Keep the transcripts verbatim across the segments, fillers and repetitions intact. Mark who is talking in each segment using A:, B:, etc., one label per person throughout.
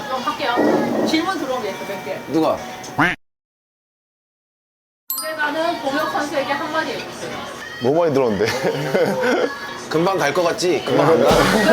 A: 그럼 할게요. 질문 들어온 게 있어, 몇 개.
B: 누가?
A: 언제가는 동혁 선수에게 한마디 해주세요.
C: 너무 많이 들었는데.
B: 금방 갈 것 같지? 금방 안 가?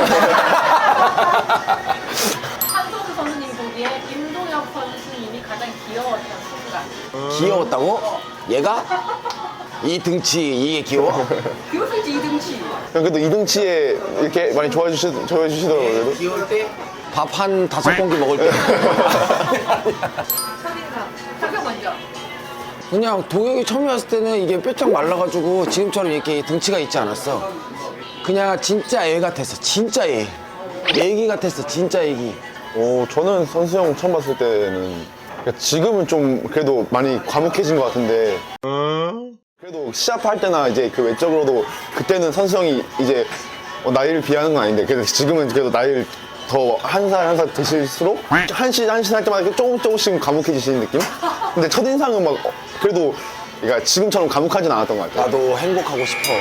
A: 한성수 선수님 보기에 임동혁 선수님이 가장 귀여웠던 순간.
B: 귀여웠다고? 얘가? 이 등치 이게 귀여워?
A: 귀여울지 이등치.
C: 그래도 이등치에 이렇게 많이 좋아해 주시, 좋아해 주시더라고요. 그래도.
B: 귀여울 때? 밥 한 다섯 공기 먹을 때.
A: 첫인상. 타격 먼저.
B: 그냥 동혁이 처음에 왔을 때는 이게 뼈짝 말라가지고 지금처럼 이렇게 등치가 있지 않았어. 그냥 진짜 애 같았어. 진짜 애. 애기 같았어. 진짜 애기.
C: 어, 저는 선수 형 처음 봤을 때는 그러니까 지금은 좀 그래도 많이 과묵해진 것 같은데 그래도 시합할 때나 이제 그 외적으로도 그때는 선수 형이 이제 어, 나이를 비하는 건 아닌데 그래도 지금은 그래도 나이를 더 한 살 한 살 드실수록 한시 한시 할 때마다 이렇게 조금 조금씩 과묵해지시는 느낌? 근데 첫인상은 막 어, 그래도 그러니까 지금처럼 과묵하진 않았던 것 같아요.
B: 나도 행복하고 싶어.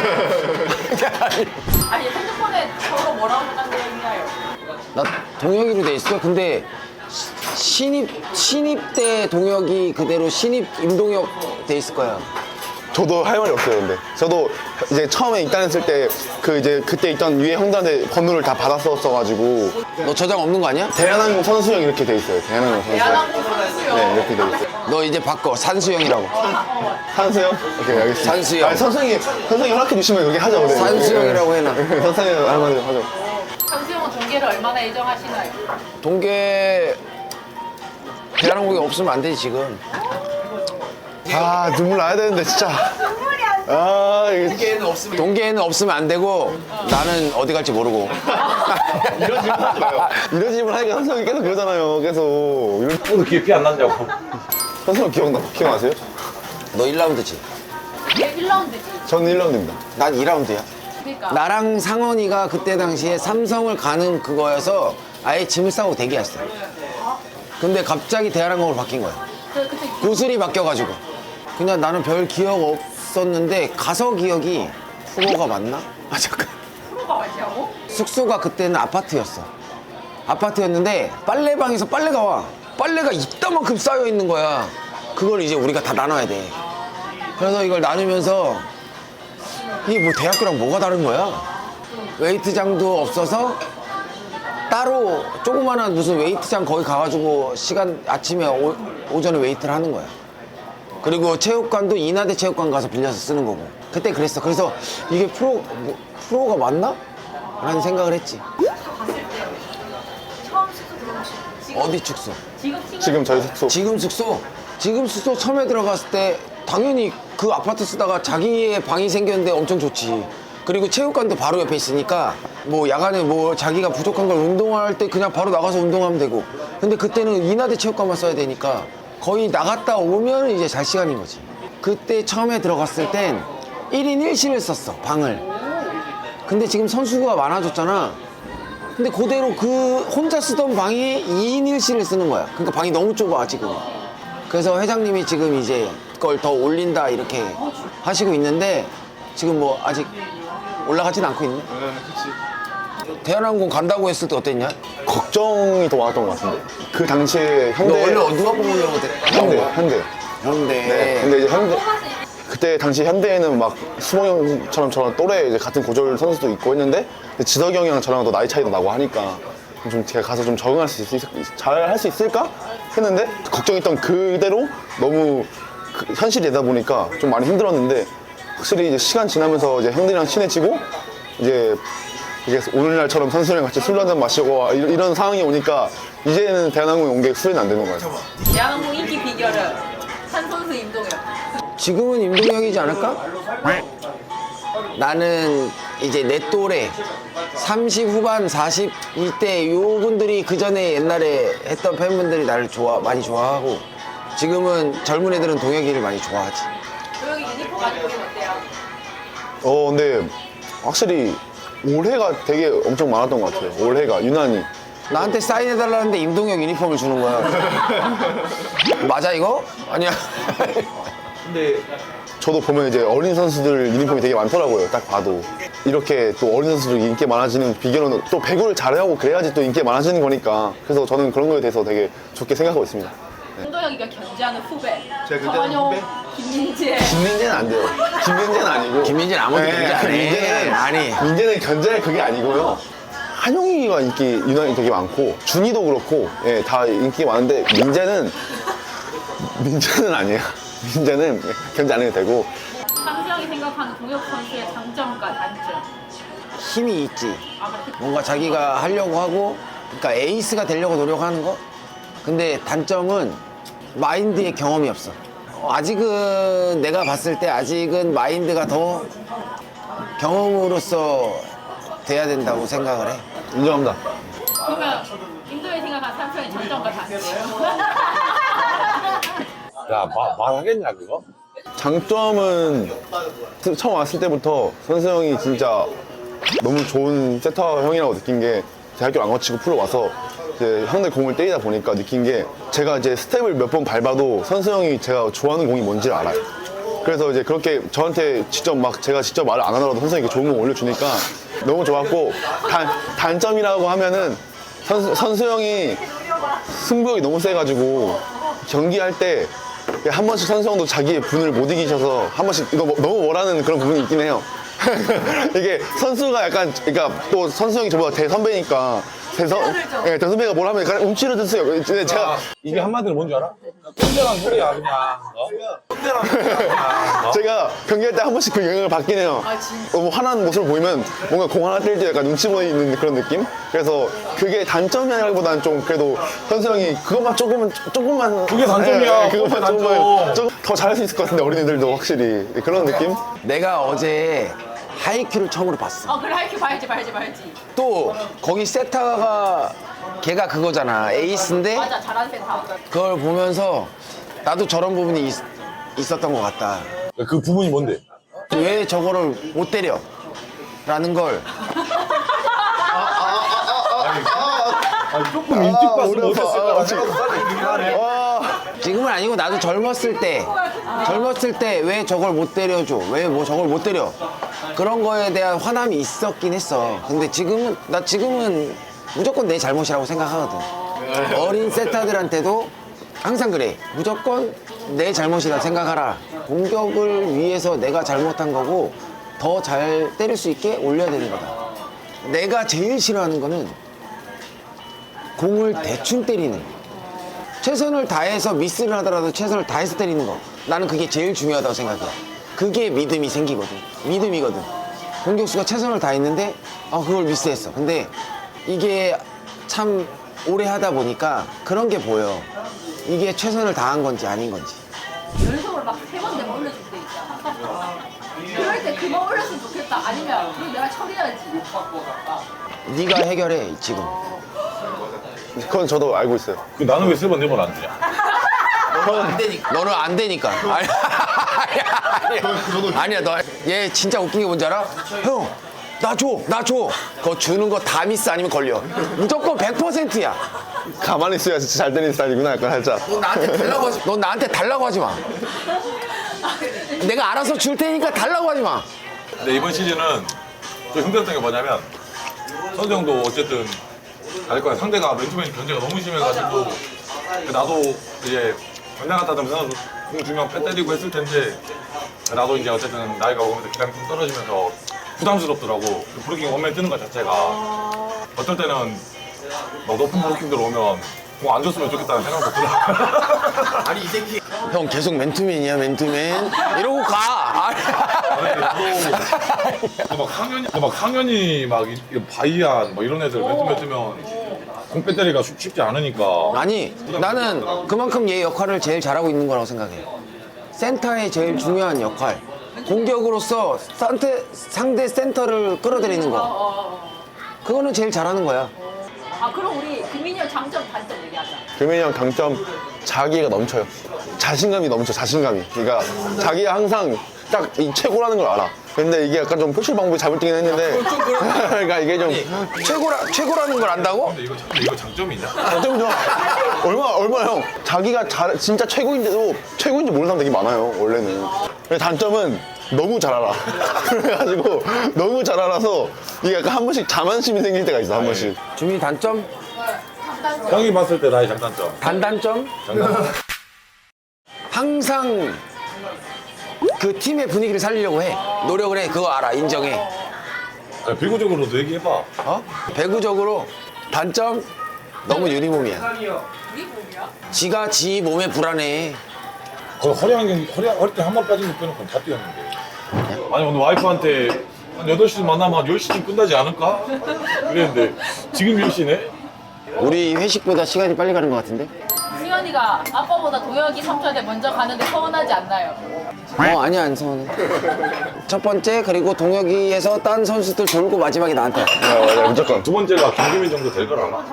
A: 아니, 핸드폰에 서로 뭐라고 생각되어 있나요?
B: 나 동혁이로 돼 있어. 근데 시- 신입 신입 때 동혁이 그대로 신입 임동혁 돼 있을 거야.
C: 저도 할 말이 없어요, 근데. 저도 이제 처음에 입단했을 때, 그 이제 그때 있던 위에 형들한테 번호를 다 받았었어가지고,
B: 너 저장 없는 거 아니야?
C: 대한항공 선수형 이렇게 돼 있어요, 대한항공 선수형.
A: 대한항공 선수요.
C: 네, 이렇게 돼 있어요.
B: 너 이제 바꿔. 산수형이라고.
C: 산수형? 오케이, 알겠습니다.
B: 산수형.
C: 아니, 선수형이, 선수형이 허락해 주시면 그렇게 하죠, 우리.
B: 산수형이라고 해놔.
C: 선수형 할만해 하죠.
A: 선수형은 동계를 얼마나 애정하시나요?
B: 동계 대한항공이 없으면 안 되지 지금.
C: 아, 눈물 나야 되는데, 진짜. 아, 이게.
B: 동계에는 없으면 안 되고 나는 어디 갈지 모르고.
C: 이런 질문 하지 마요. 이런 질문 하니까 선수형이 계속 그러잖아요, 계속. 이런...
D: 오늘 기회 피 안 난다고.
C: 선수형 기억나, 기억나세요?
B: 너 일 라운드지?
A: 이게 일 라운드지.
C: 저는 일 라운드입니다.
B: 난 이 라운드야.
A: 그러니까.
B: 나랑 상원이가 그때 당시에 삼성을 가는 그거여서 아예 짐을 싸고 대기했어. 근데 갑자기 대한항공으로 바뀐 거야.
A: 그, 그때
B: 구슬이 바뀌어가지고. 그냥 나는 별 기억 없었는데 가서 기억이 프로가 맞나? 아 잠깐.
A: 프로가 맞냐고?
B: 숙소가 그때는 아파트였어. 아파트였는데 빨래방에서 빨래가 와. 빨래가 이따만큼 쌓여 있는 거야. 그걸 이제 우리가 다 나눠야 돼. 그래서 이걸 나누면서 이게 뭐 대학교랑 뭐가 다른 거야? 웨이트장도 없어서 따로 조그마한 무슨 웨이트장 거기 가가지고 시간 아침에 오, 오전에 웨이트를 하는 거야. 그리고 체육관도 인하대 체육관 가서 빌려서 쓰는 거고. 그때 그랬어. 그래서 이게 프로 뭐, 프로가 맞나? 라는 생각을 했지.
A: 봤을 때 처음 숙소 들어오신 지금
B: 어디 축소?
A: 지금 친구
C: 지금 저희 숙소.
B: 지금 숙소? 지금 숙소 처음에 들어갔을 때 당연히 그 아파트 쓰다가 자기의 방이 생겼는데 엄청 좋지. 그리고 체육관도 바로 옆에 있으니까 뭐 야간에 뭐 자기가 부족한 걸 운동할 때 그냥 바로 나가서 운동하면 되고. 근데 그때는 인하대 체육관만 써야 되니까 거의 나갔다 오면 이제 잘 시간인 거지. 그때 처음에 들어갔을 땐 일 인 일 실을 썼어, 방을. 근데 지금 선수가 많아졌잖아. 근데 그대로 그 혼자 쓰던 방에 이 인 일 실을 쓰는 거야. 그러니까 방이 너무 좁아, 지금. 그래서 회장님이 지금 이제 그걸 더 올린다 이렇게 하시고 있는데 지금 뭐 아직 올라가진 않고 있네. 대한항공 간다고 했을 때 어땠냐?
C: 걱정이 더 많았던 것 같은데. 그 당시에
B: 너
C: 현대.
B: 원래 누가 뽑으려고 돼?
C: 현대, 현대.
B: 현대.
C: 네. 근데 이제 현대. 그때 당시 현대에는 막 수봉 형처럼 저랑 또래 이제 같은 고졸 선수도 있고 했는데 지덕이 형이랑 저랑 또 나이 차이도 나고 하니까 좀 제가 가서 좀 적응할 수 있을, 잘 할 수 있을까 했는데 걱정했던 그대로 너무 그 현실이 되다 보니까 좀 많이 힘들었는데 확실히 이제 시간 지나면서 이제 형들이랑 친해지고 이제 이게 오늘날처럼 선수들이랑 같이 술 한잔 마시고 이런, 이런 상황이 오니까 이제는 대한항공에 온 게 후회는 안 되는 것 같아요.
A: 대한항공 인기 비결은 한 선수 임동혁.
B: 지금은 임동혁이지 않을까? 나는 이제 내 또래 삼십 후반 사십 이때 요분들이 그 전에 옛날에 했던 팬분들이 나를 좋아 많이 좋아하고 지금은 젊은 애들은 동혁이를 많이 좋아하지.
A: 조혁이 유니폼 많이 보긴 어때요?
C: 어 근데 확실히 올해가 되게 엄청 많았던 것 같아요. 올해가 유난히.
B: 나한테 사인해달라는데 임동혁 유니폼을 주는 거야. 맞아 이거? 아니야.
D: 근데
C: 저도 보면 이제 어린 선수들 유니폼이 되게 많더라고요. 딱 봐도. 이렇게 또 어린 선수들 인기 많아지는 비결은 또 배구를 잘하고 그래야지 또 인기 많아지는 거니까. 그래서 저는 그런 거에 대해서 되게 좋게 생각하고 있습니다.
A: 김도혁이가 견제하는 후배.
C: 제가 견제하는
A: 정한용,
C: 후배?
A: 김민재.
C: 김민재는 안 돼요. 김민재는 아니고.
B: 김민재는 아무도 견제 안 해.
C: 민재는
B: 아니.
C: 민재는 견제할 그게 아니고요. 한용이가 인기 유난히 되게 많고 준이도 그렇고 예, 다 인기 많은데 민재는 민재는 아니에요. 민재는 견제 안 해도 되고.
A: 상수형이 생각하는 동혁 선수의 장점과 단점.
B: 힘이 있지.
A: 아, 그래.
B: 뭔가 자기가 하려고 하고, 그러니까 에이스가 되려고 노력하는 거? 근데 단점은 마인드에 경험이 없어. 어, 아직은 내가 봤을 때 아직은 마인드가 더 경험으로서 돼야 된다고 생각을 해.
C: 인정합니다.
A: 그러면 김도혁이 생각하는 상수형의 장점과 단점.
D: 야, 마, 말하겠냐, 그거?
C: 장점은 처음 왔을 때부터 선수 형이 진짜 너무 좋은 세터 형이라고 느낀 게 대학교 안 거치고 프로 와서 이제 형들 공을 때리다 보니까 느낀 게 제가 이제 스텝을 몇 번 밟아도 선수 형이 제가 좋아하는 공이 뭔지를 알아요. 그래서 이제 그렇게 저한테 직접 막 제가 직접 말을 안 하더라도 선수 형이 좋은 공 올려주니까 너무 좋았고 단, 단점이라고 하면은 선수, 선수 형이 승부욕이 너무 세가지고 경기할 때 한 번씩 선수 형도 자기의 분을 못 이기셔서 한 번씩 이거 뭐- 너무 뭐라는 그런 부분이 있긴 해요. 이게 선수가 약간 그러니까 또 선수 형이 저보다 대선배니까 대선 예, 대선배가 뭘 하면 약간 움츠러 드세요. 근데 제가
D: 이게 한마디로 뭔지 알아? 꼰대란 소리야, 그냥. 어? 꼰대란 소리야, 그냥. 어?
C: 제가 경기할 때 한 번씩 그 영향을 받긴 해요.
A: 아, 진짜?
C: 너무 화난 모습을 보이면 뭔가 공 하나 뛸 때 약간 눈치 보이는 그런 느낌? 그래서 그게 단점이라기보다는 좀 그래도 선수 형이 그것만 조금만, 조금만.
D: 그게 단점이야.
C: 예, 예, 그것만
D: 그게
C: 조금만.
D: 단점.
C: 좀 더 잘할 수 있을 것 같은데, 어린애들도 확실히. 그런 느낌?
B: 내가 어제 하이큐를 처음으로 봤어.
A: 어, 그래, 이렇게 봐야지, 봐야지, 봐야지.
B: 또 거기 세타가 걔가 그거잖아. 에이스인데
A: 맞아, 잘하는 센터.
B: 그걸 보면서 나도 저런 부분이 있, 있었던 것 같다.
D: 그 부분이 뭔데?
B: 왜 저거를 못 때려? 라는 걸
D: 아니, 조금 일찍 봤으면
C: 어려워.
D: 어땠을까?
C: 아, 지금. 와.
B: 지금은 아니고 나도 젊었을 때 젊었을 때 왜 저걸 못 때려줘? 왜 뭐 저걸 못 때려? 그런 거에 대한 화남이 있었긴 했어. 근데 지금은 나 지금은 무조건 내 잘못이라고 생각하거든. 어린 세타들한테도 항상 그래. 무조건 내 잘못이다 생각하라. 공격을 위해서 내가 잘못한 거고 더 잘 때릴 수 있게 올려야 되는 거다. 내가 제일 싫어하는 거는 공을 대충 때리는 거. 최선을 다해서 미스를 하더라도 최선을 다해서 때리는 거. 나는 그게 제일 중요하다고 생각해. 그게 믿음이 생기거든. 믿음이거든. 공격수가 최선을 다했는데 아 그걸 미스했어. 근데 이게 참 오래 하다 보니까 그런 게 보여. 이게 최선을 다한 건지 아닌 건지.
A: 연속으로 막 세 번 내가 올려줄 때 있잖아. 그럴 때 그거 올렸으면 좋겠다. 아니면 그럼 내가 처리해야지.
B: 네가 해결해 지금.
C: 그건 저도 알고 있어요.
D: 그 나는 왜 세 번, 네 번 안 주냐?
B: 너는 안 되니까. 아니, 아니야, 아니야, 너. 얘 진짜 웃긴 게 뭔지 알아? 형, 나 줘, 나 줘. 그거 주는 거 다 미스 아니면 걸려. 무조건 백 퍼센트야.
C: 가만히 있어야 진짜 잘 때리는 스타일이구나, 약간 살짝.
B: 너 나한테 달라고 하지. 너 나한테 달라고 하지 마. 내가 알아서 줄 테니까 달라고 하지 마.
D: 근데 이번 시즌은 좀 힘들었던 게 뭐냐면 선수 형도 어쨌든 알 거야. 상대가 맨투맨 견제가 너무 심해가지고 나도 이제 전장 갔다 하면서 공 중간 패 때리고 했을 텐데 나도 이제 어쨌든 나이가 먹으면서 기량이 좀 떨어지면서 부담스럽더라고. 브로킹 원맨 뜨는 것 자체가 어떨 때는 막 높은 브로킹 들어오면 공 안 줬으면 좋겠다는 생각도 들어.
B: 아니 이 새끼. 형 계속 맨투맨이야 맨투맨. 이러고 가.
D: 막 상현이 막 상현이 막 이- 이 바이안 막 이런 애들 맨투맨 뜨면 공 배터리가 쉽- 쉽지 않으니까.
B: 아니 나는 그만큼 얘 역할을 제일 잘하고 있는 거라고 생각해. 센터의 제일 중요한 역할. 공격으로서 상대, 상대 센터를 끌어들이는
A: 어,
B: 거.
A: 어, 어.
B: 그거는 제일 잘하는 거야.
A: 아, 그럼 우리 금민이 형 장점, 단점 얘기하자.
C: 금현이 형 강점, 자기가 넘쳐요. 자신감이 넘쳐, 자신감이. 그러니까 자기가 항상 딱 이 최고라는 걸 알아. 근데 이게 약간 좀 표출 방법이 잘못되긴 했는데. 그러니까 이게 좀
B: 최고라, 최고라는 걸 안다고?
D: 근데 이거 근데 이거 장점이냐?
C: 장점이 좋아. 얼마, 얼마 형. 자기가 잘, 진짜 최고인데도 최고인지 모르는 사람 되게 많아요, 원래는. 근데 단점은 너무 잘 알아. 그래가지고 너무 잘 알아서 이게 약간 한 번씩 자만심이 생길 때가 있어, 한 번씩.
B: 주민이 단점?
D: 형이 봤을 때 나의 장단점.
B: 단단점?
D: 장단점.
B: 항상 그 팀의 분위기를 살리려고 해. 노력을 해. 그거 알아. 인정해.
D: 아니, 비교적으로도 얘기해봐.
B: 어? 배구적으로 단점? 너무 유리몸이야.
A: 우리 몸이야?
B: 지가 지 몸에 불안해.
D: 거의 허리 한 경, 허리, 허리 한 번 빠진 거 빼놓고 다 뛰었는데. 아니, 오늘 와이프한테 한 여덟 시 만나면 한 열 시쯤 끝나지 않을까? 그랬는데, 지금 열 시네?
B: 우리 회식보다 시간이 빨리 가는 것 같은데?
A: 수현이가 아빠보다 도혁이 삼촌한테 먼저 가는데 서운하지 않나요?
B: 어, 아니야, 안 서운해. 첫 번째, 그리고 동혁이에서 딴 선수들 돌고 마지막에 나한테 와.
C: 어, 맞아, 무조건.
D: 두 번째가 김규민 정도 될 거라나?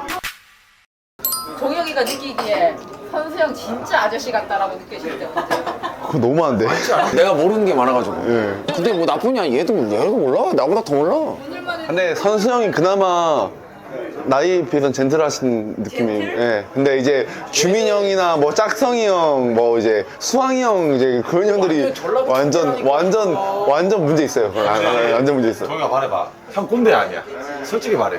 A: 동혁이가 느끼기에 현수형 진짜 아저씨 같다라고 느끼실 때 언제?
C: 그거 너무한데?
B: 내가 모르는 게 많아가지고.
C: 예.
B: 근데 뭐 나쁘냐? 얘도, 얘도 몰라. 나보다 더 몰라.
A: 오늘만 해도
C: 근데 선수 형이 그나마 나이에 비해서는 젠틀하신 느낌이. 예. 근데 이제 주민 형이나 뭐 짝성이 형, 뭐 이제 수왕이 형 이제 그런 형들이 완전 완전 완전 문제 있어요. 아, 아, 완전 문제 있어.
D: 정이가 말해봐. 형 꼰대 아니야. 솔직히 말해.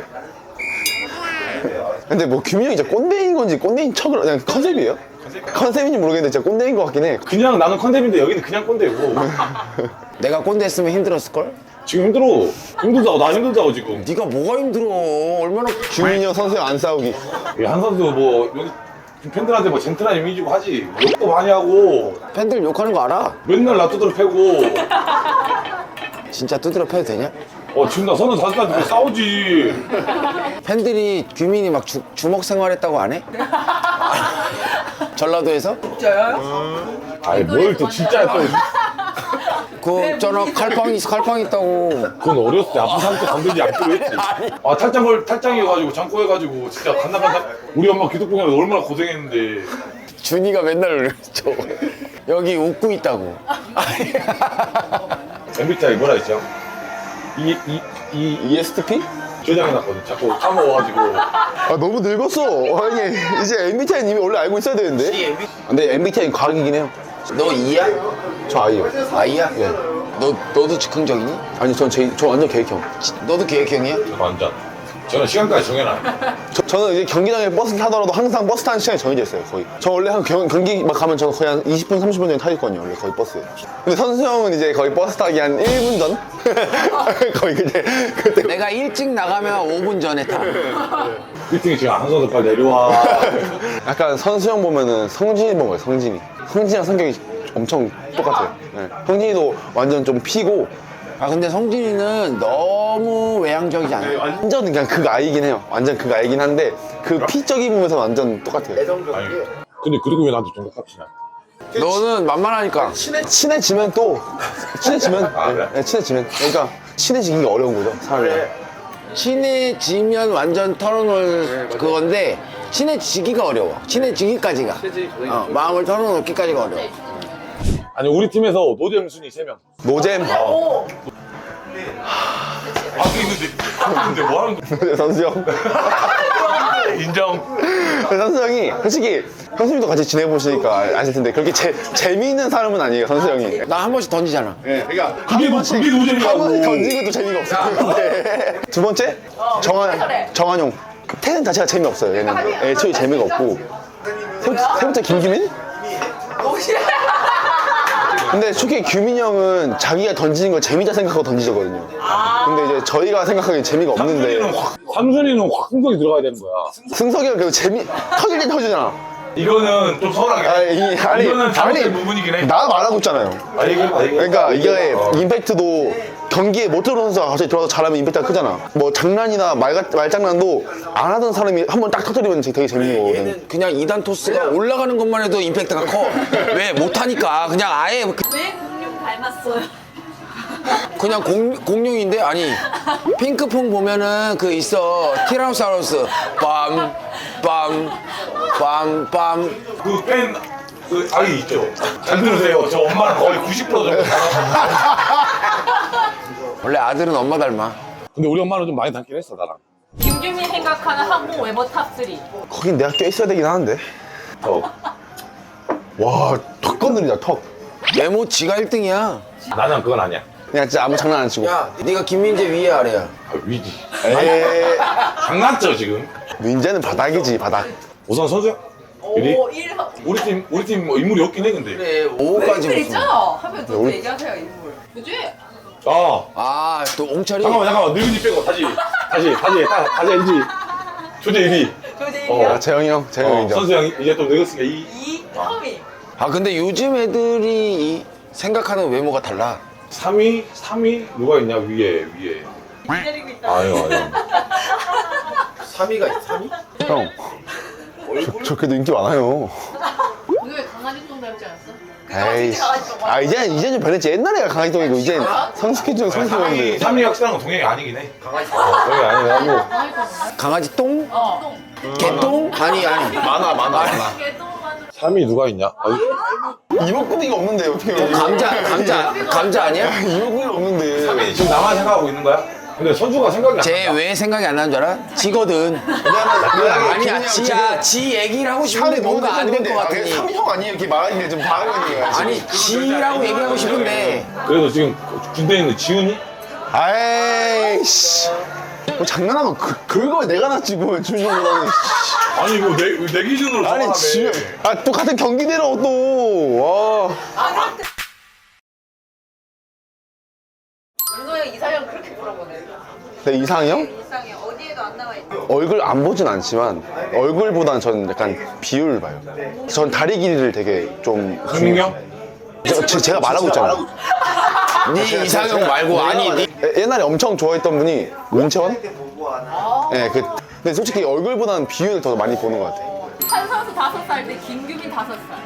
C: 근데 뭐 규민 형이 진짜 꼰대인 건지 꼰대인 척을 그냥 컨셉이에요? 컨셉인지 모르겠는데 진짜 꼰대인 것 같긴 해.
D: 그냥 나는 컨셉인데 여기는 그냥 꼰대고.
B: 내가 꼰대 했으면 힘들었을걸?
D: 지금 힘들어. 힘들다고, 나 힘들다고 지금.
B: 네가 뭐가 힘들어? 얼마나
C: 규민 형 선수 형 안 싸우기.
D: 한 선수 뭐, 여기 팬들한테 뭐 젠틀한 이미지고 하지. 욕도 많이 하고,
B: 팬들 욕하는 거 알아?
D: 맨날 나 두드려 패고.
B: 진짜 두드려 패도 되냐?
D: 어, 지금 나 서른 다섯 살인데 싸우지.
B: 팬들이 규민이 막 주, 주먹 생활했다고 안 해? 전라도에서?
D: 아니, 뭘 또 진짜 또.
B: 그 저나 칼빵 있 칼빵 있다고.
D: 그건 어렸을 때 아픈 사람한테 건들지 않기로 했지. 아, 탈장걸, 탈장이어가지고, 장꼬해가지고, 진짜 간당간당. 우리 엄마 기독교회에서 얼마나 고생했는데.
B: 준이가 맨날 그랬죠. 여기 웃고 있다고.
D: 엠비티아이 뭐라 했죠? 이, 이, 이,
C: 이에스티피?
D: 저장해 놨거든. 자꾸 까먹어가지고.
C: 아 너무 늙었어. 아니 이제 엠비티아이 님이 원래 알고 있어야 되는데. 근데 엠비티아이 과학이긴 해요.
B: 너 이야?
C: 저 아이요.
B: 아이야?
C: 예.
B: 너 너도 즉흥적이니?
C: 아니 전 제, 저 완전 계획형.
B: 너도 계획형이야?
D: 완전. 저는 시간까지 정해놔요.
C: 저, 저는 이제 경기장에 버스 타더라도 항상 버스 타는 시간이 정해져 있어요, 거의. 저 원래 한 경, 경기 막 가면 저는 거의 한 이십 분, 삼십 분 전에 타 있거든요, 원래 거의 버스에. 근데 선수 형은 이제 거의 버스 타기 한 일 분 전? 거의 그때, 그때.
B: 내가 일찍 나가면 오 분 전에 타.
D: 미팅이 지금 한 선수 빨리 내려와.
C: 약간 선수 형 보면은 성진이 본 거예요, 성진이. 성진이랑 성격이 엄청 똑같아요. 네. 성진이도 완전 좀 피고,
B: 아 근데 성진이는 너무 외향적이지 않아?
C: 완전 그냥 그 아이긴 해요. 완전 그 아이긴 한데, 그 피적인 부분에서 완전 똑같아요.
D: 아니, 근데 그리고 왜 나한테 동갑합시나?
B: 너는 만만하니까.
C: 친해지면 또, 친해지면,
D: 아, 그래?
C: 네, 친해지면. 그러니까, 친해지기가 어려운 거죠, 사람이랑.
B: 친해지면 완전 털어놓을 그건데 친해지기가 어려워. 친해지기까지가. 어, 마음을 털어놓기까지가 어려워.
D: 아니, 우리 팀에서 노잼 순위 세 명.
C: 노잼.
A: 오!
D: 아, 근데, 근데 뭐 하는 거야?
C: 선수 형.
D: 인정.
C: 선수 형이 솔직히 형수님도 같이 지내보시니까 아실 텐데 그렇게 제, 재미있는 사람은 아니에요, 선수 형이.
B: 나 한 번씩 던지잖아.
C: 네, 그러니까
D: 그게 뭐, 그게
C: 한
D: 노잼이라고.
C: 번씩 던지고 또 재미가 없어요. 네. 두 번째 정한 정한용. 그 태는 자체가 재미없어요. 얘는 애초에 재미가 없고. 세, 번째- 세 번째 김규민? 근데 솔직히 규민 형은 자기가 던지는 걸 재미다 생각하고 던지거든요. 근데 이제 저희가 생각하기엔 재미가
D: 상준이는
C: 없는데
D: 확, 상준이는 확 흥분이 들어가야 되는 거야.
C: 승석이가 그래도 재미 터질 때 터지잖아.
D: 이거는 좀 서운하게.
C: 아니, 아니,
D: 이거는 잘못된
C: 아니,
D: 부분이긴 해.
C: 나 말하고 있잖아요.
D: 아, 이거, 아, 이거.
C: 그러니까 이게
D: 어.
C: 임팩트도 경기에 못 들어오는 선수가 갑자기 들어와서 잘하면 임팩트가 크잖아. 뭐 장난이나 말, 말장난도 안 하던 사람이 한 번 딱 터뜨리면 되게 재밌는 거거든.
B: 그냥 이 단 토스가 올라가는 것만 해도 임팩트가 커. 왜? 못하니까. 그냥 아예 그-
A: 왜 공룡 닮았어요?
B: 그냥 공, 공룡인데? 아니 핑크퐁 보면은 그 있어. 티라노사우루스 빰 빰 빰 빰.
D: 그 팬, 그 아이 있죠. 잘 들으세요. 저 엄마는 거의 구십 퍼센트 정도 닮아.
B: 원래 아들은 엄마 닮아.
D: 근데 우리 엄마는 좀 많이 닮긴 했어, 나랑.
A: 김규민 생각하는 한국 외모 탑삼.
C: 거긴 내가 껴있어야 되긴 하는데.
D: 어.
C: 와, 턱 건드리자, 턱.
B: 외모 지가 일 등이야.
D: 나는 그건 아니야.
C: 그냥 진짜 아무 장난 안 치고.
B: 야, 네가 김민재 위에 아래야.
D: 아, 위지.
C: 에이,
D: 장난쳐 지금.
C: 민재는 바닥이지, 바닥.
D: 우선 선수야? 유리?
A: 오, 일.
D: 우리 팀 우리 팀 뭐 인물이 없긴 해 근데.
B: 그래, 오까지
A: 인물
B: 무슨.
A: 있죠? 하면 또
C: 우리-
A: 얘기하세요, 인물. 그지?
D: 아
B: 아, 또 옹철이.
D: 잠깐만 잠깐만 늙은이 빼고 다시 다시 다시 다, 다시 해야지. 조제 일 위.
A: 조제
D: 어.
A: 일이야?
C: 아, 재영이 형, 재영이
D: 어,
C: 형 인정.
D: 선수 형 이제 좀 늙었으니까 이.
A: 이, 삼위.
B: 아, 근데 요즘 애들이 이 생각하는 외모가 달라.
D: 삼 위? 삼 위? 누가 있냐 위에 위에.
A: 기다리고 있다.
D: 아유 아유.
B: 삼 위가 있어, 삼 위?
C: 형, 저, 저 그래도 인기 많아요.
A: 오늘 강아지 똥 닮지 않았어?
C: 에이, 아, 이제, 이제 좀 변했지. 옛날에가 강아지똥이고, 이제 성숙해지고
D: 삼 위
C: 성숙했는데.
D: 삼 위 확실한 건 동행이 아니긴 해. 강아지. 어, 동행이 아니라고.
A: 강아지 똥 몰라?
B: 강아지 똥?
A: 어.
B: 개똥? 아니, 아니.
C: 많아, 많아, 많아.
A: 개똥 맞는
D: 삼 위 누가 있냐?
C: 이목구비가 없는데, 어떻게.
B: 감자, 감자, 감자 아니야?
C: 이목구비가 없는데.
D: 지금 나만 생각하고 있는 거야? 근데 선수가 생각이 안
B: 쟤
D: 나.
B: 왜 생각이 안 나는 줄 알아? 지거든. 아니야, 지야, 지 얘기를 하고 싶은데 뭔가 안 될 것 같으니.
C: 삼형 아니에요? 이렇게 말하는 게좀 바라거든요.
B: 아니, 지라고 얘기하고 싶은데.
D: 그래도 지금 군대에 있는 지훈이?
C: 아이씨. 뭐 장난하면 그, 그걸 내가 낫지, 뭐, 준영보다는.
D: 아니 이거 내, 내 기준으로
C: 아니,
D: 정하네.
C: 지금. 아, 또 같은 경기대로 또. 와.
A: 윤소영 이상형 그렇게 물어보네.
C: 내 이상형?
A: 이상형 어디에도 안 나와 있어.
C: 얼굴 안 보진 않지만, 얼굴보단 전 약간 비율을 봐요. 전 다리 길이를 되게 좀.
D: 강민경?
C: 저, 제- 제가 말하고 있잖아요.
B: 네 이상형 말고, 아니, 네.
C: 예- 옛날에 엄청 좋아했던 분이 문채원? 예, 그, 근데 솔직히 얼굴보다는 비율을 더 많이 보는 것 같아.
A: 한 선수 다섯 살 때 김규민 다섯 살.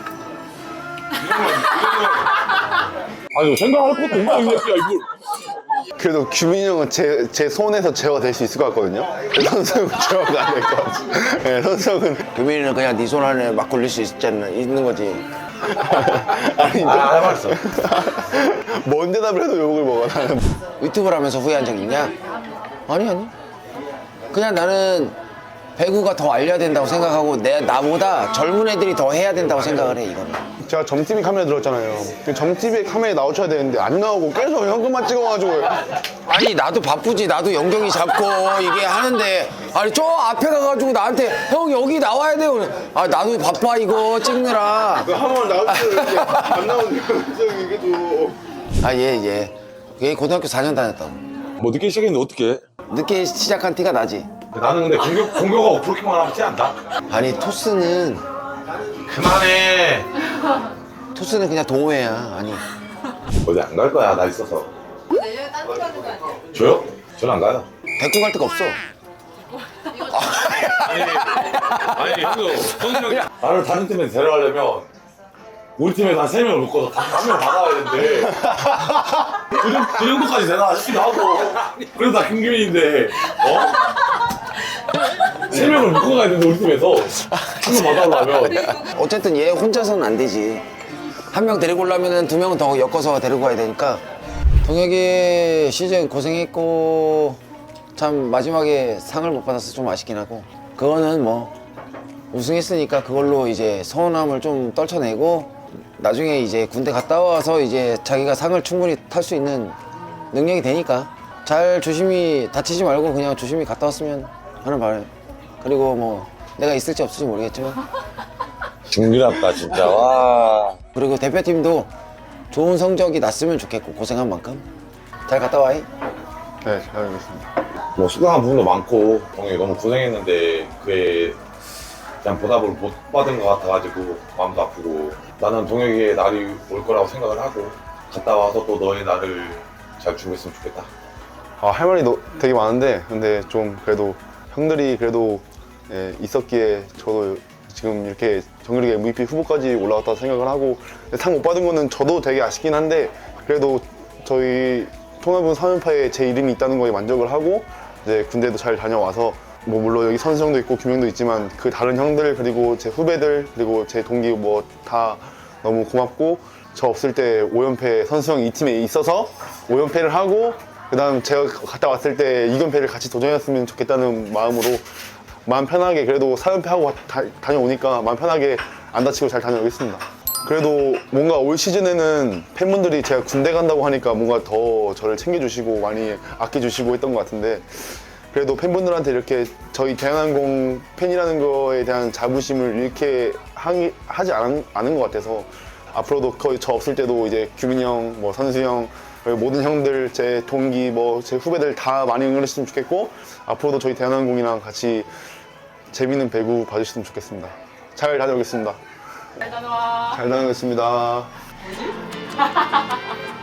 D: 아니 생각할 것도 없나 야 이걸.
C: 그래도 규민이 형은 제, 제 손에서 제어가 될 수 있을 것 같거든요. 선수 형은 제어가 안 될 것 같아. 예, 선수 형은.
B: 규민이는 그냥 네 손 안에 막 굴릴 수 있잖아, 있는 거지.
C: 아니,
D: 아 해봤어.
C: 뭔 대답을 해도 욕을 먹어, 나는.
B: 유튜브를 하면서 후회한 적 있냐? 아니, 아니. 그냥 나는 배구가 더 알려야 된다고 생각하고 내 나보다 젊은 애들이 더 해야 된다고 생각을 해, 이거는.
C: 제가 점티비 카메라 들었잖아요. 그 점티비 카메라에 나오셔야 되는데 안 나오고 계속 현금만 찍어가지고.
B: 아니, 나도 바쁘지. 나도 연경이 잡고 이게 하는데, 아니, 저 앞에 가가지고 나한테 형 여기 나와야 돼요. 아, 나도 바빠 이거 찍느라.
C: 한번 나올 때 안 나오는데 이게 또.
B: 아, 얘, 얘. 얘 고등학교 사 년 다녔다고.
D: 뭐 늦게 시작했는데 어떻게?
B: 늦게 시작한 티가 나지.
D: 나는 근데 공격 공격하고 그렇게만 하면 티 안 나.
B: 아니, 토스는,
D: 그만해.
B: 토스는 그냥 동호회야. 아니.
D: 어디 안 갈 거야 나 있어서.
A: 내년에 딴 데 가는 거 아니야?
D: 저요? 저는 안 가요.
B: 데리고 갈 데가 없어.
D: 아니 아니 형도 선수 형이 나를 다른 팀에 데려가려면 우리 팀에서 한 세 명을 묶어서 한 명 받아야 되는데 그, 정- 그 정도까지 되나 싶기도 하고 그래도 나 김규민인데 어? 세 명을 묶어가야 되는데 우리 팀에서 한 명 받아오려면
B: 어쨌든 얘 혼자서는 안 되지. 한 명 데리고 오려면 두 명은 더 엮어서 데리고 가야 되니까. 동혁이 시즌 고생했고, 참 마지막에 상을 못 받아서 좀 아쉽긴 하고. 그거는 뭐, 우승했으니까 그걸로 이제 서운함을 좀 떨쳐내고, 나중에 이제 군대 갔다 와서 이제 자기가 상을 충분히 탈 수 있는 능력이 되니까 잘 조심히 다치지 말고 그냥 조심히 갔다 왔으면 하는 바람. 그리고 뭐 내가 있을지 없을지 모르겠지만,
D: 중미랍다 진짜 와.
B: 그리고 대표팀도 좋은 성적이 났으면 좋겠고, 고생한 만큼 잘 갔다 와이.
C: 네, 잘 알겠습니다.
D: 뭐 수상한 부분도 많고 동혁이 너무 고생했는데 그에 그냥 보답을 못 받은 것 같아가지고 마음도 아프고 나는 동혁이의 날이 올 거라고 생각을 하고 갔다 와서 또 너의 날을 잘 준비했으면 좋겠다.
C: 아, 할 말이 너, 되게 많은데, 근데 좀 그래도 형들이 그래도 예, 있었기에 저도 지금 이렇게 정규리그 엠브이피 후보까지 올라왔다 생각을 하고, 상 못 받은 거는 저도 되게 아쉽긴 한데, 그래도 저희 통합은 삼 연파에 제 이름이 있다는 거에 만족을 하고, 이제 군대도 잘 다녀와서, 뭐 물론 여기 선수 형도 있고 김영도 있지만 그 다른 형들 그리고 제 후배들 그리고 제 동기 뭐 다 너무 고맙고, 저 없을 때 오 연패 선수 형 이 팀에 있어서 오 연패를 하고, 그 다음 제가 갔다 왔을 때 이 연패를 같이 도전했으면 좋겠다는 마음으로 마음 편하게 그래도 사 연패하고 다, 다녀오니까 마음 편하게 안 다치고 잘 다녀오겠습니다. 그래도 뭔가 올 시즌에는 팬분들이 제가 군대 간다고 하니까 뭔가 더 저를 챙겨주시고 많이 아껴주시고 했던 것 같은데 그래도 팬분들한테 이렇게 저희 대한항공 팬이라는 거에 대한 자부심을 잃게 하기, 하지 않, 않은 것 같아서 앞으로도 거의 저 없을 때도 이제 규민이 형, 뭐 선수 형, 그리고 모든 형들, 제 동기, 뭐 제 후배들 다 많이 응원했으면 좋겠고 앞으로도 저희 대한항공이랑 같이 재밌는 배구 봐주셨으면 좋겠습니다. 잘 다녀오겠습니다.
A: 잘 다녀와.
C: 잘 다녀오겠습니다.